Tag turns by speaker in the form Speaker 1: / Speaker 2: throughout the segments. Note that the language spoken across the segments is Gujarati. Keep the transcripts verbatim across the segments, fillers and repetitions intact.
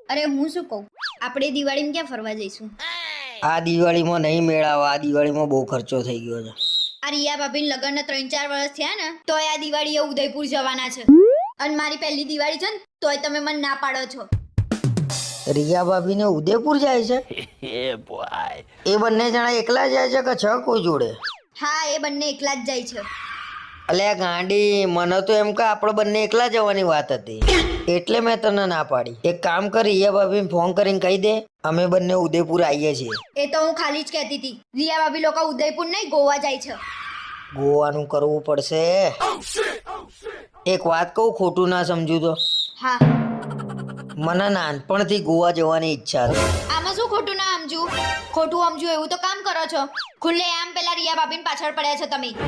Speaker 1: અરે હું શું કહું, આપણે દિવાળીમાં ક્યાં ફરવા જઈશું?
Speaker 2: આ દિવાળીમાં નહીં મેળાવે, આ દિવાળીમાં બહુ ખર્ચો થઈ ગયો છે.
Speaker 1: આ રિયા ભાભીને લગ્નના ત્રણ ચાર વર્ષ થયા ને તોય આ દિવાળીએ ઉદયપુર જવાના છે, અને મારી પહેલી દિવાળી છે ને તોય તમે મને ના પાડો છો.
Speaker 2: રિયા ભાભીને ઉદયપુર જાય છે? એ બંને જણા એકલા જાય છે કે છ કોઈ જોડે?
Speaker 1: હા, એ બંને એકલા જ જાય છે.
Speaker 2: અલ્યા ગાંડી, મને તો એમ કે આપણે બંને એકલા જવાની વાત હતી, એટલે મેં તને ના પાડી. એક કામ કર, રિયા ભાભીને ફોન કરીને કહી દે અમે બંને ઉદયપુર આવીએ છીએ.
Speaker 1: એ તો હું ખાલી જ કહેતી હતી. રિયા ભાભી લોકો ઉદયપુર નહીં ગોવા જાય છે.
Speaker 2: ગોવાનું કરવું પડશે. એક વાત કહું, ખોટું ના સમજુ તો?
Speaker 1: હા.
Speaker 2: મને નાનપણથી ગોવા જવાની ઈચ્છા છે.
Speaker 1: આમાં શું ખોટું ના સમજુ? ખોટું સમજુ એવું તો કામ કરો છો. ખુલ્લે આમ પેલા રિયા ભાભીને પાછળ પડ્યા છો તમે.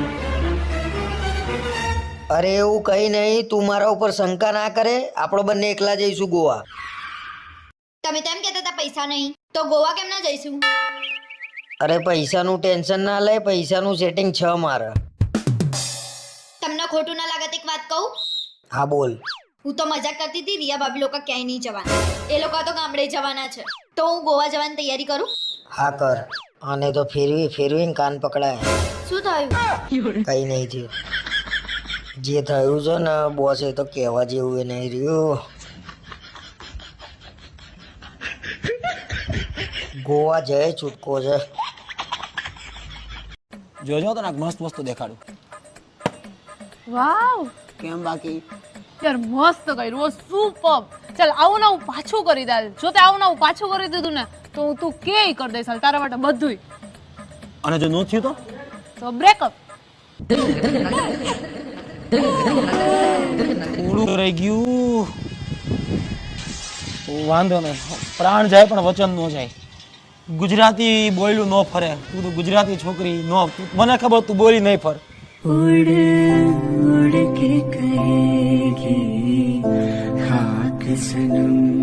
Speaker 2: અરે એવું કઈ નહીં, તું મારા ઉપર શંકા ના કરે. આપણે બંને એકલા જઈશું ગોવા.
Speaker 1: તમે તેમ કહેતા હતા પૈસા નહીં, તો ગોવા કેમ ના જઈશું?
Speaker 2: અરે પૈસાનું ટેન્શન ના લે, પૈસાનું સેટિંગ છે મારે.
Speaker 1: તમને ખોટું ના લાગે તો એક વાત કહું?
Speaker 2: હા બોલ.
Speaker 1: હું તો મજાક કરતી હતી. રિયા ભાભી લોકો ક્યાંય નહીં જવાના, એ લોકો તો ગામડે જવાના છે. તો હું ગોવા જવાની તૈયારી કરું?
Speaker 2: હા કર. આને તો ફેરવી ફેરવીને કાન પકડાય.
Speaker 1: શું થયું?
Speaker 2: કઈ નહીં થયું. જે થયું છે ને બોસ, એ તો કહેવા જેવું એ નહીં રહ્યું. ગોવા જય છૂટકો છે.
Speaker 3: જોજો તને મસ્ત વસ્તુ દેખાડું.
Speaker 4: વાવ,
Speaker 3: કેમ બાકી?
Speaker 4: યાર મસ્ત કર્યું, સુપર. ચાલ આવું ના હું પાછું કરી દે. જો તે આવું ના હું પાછું કરી દીધું ને તો હું તું કેય કરી દઈશ તારા માટે બધુંય.
Speaker 3: અને જો ન થયું તો
Speaker 4: તો બ્રેકઅપ.
Speaker 3: થોડું રહી ગયું. વાંધો નહીં, પ્રાણ જાય પણ વચન ન જાય. ગુજરાતી બોયલું ન ફરે. તું તો ગુજરાતી છોકરી નો, મને ખબર તું બોલી નહીં ફર.
Speaker 5: उड़ उड़ के कहेगी खाक सनम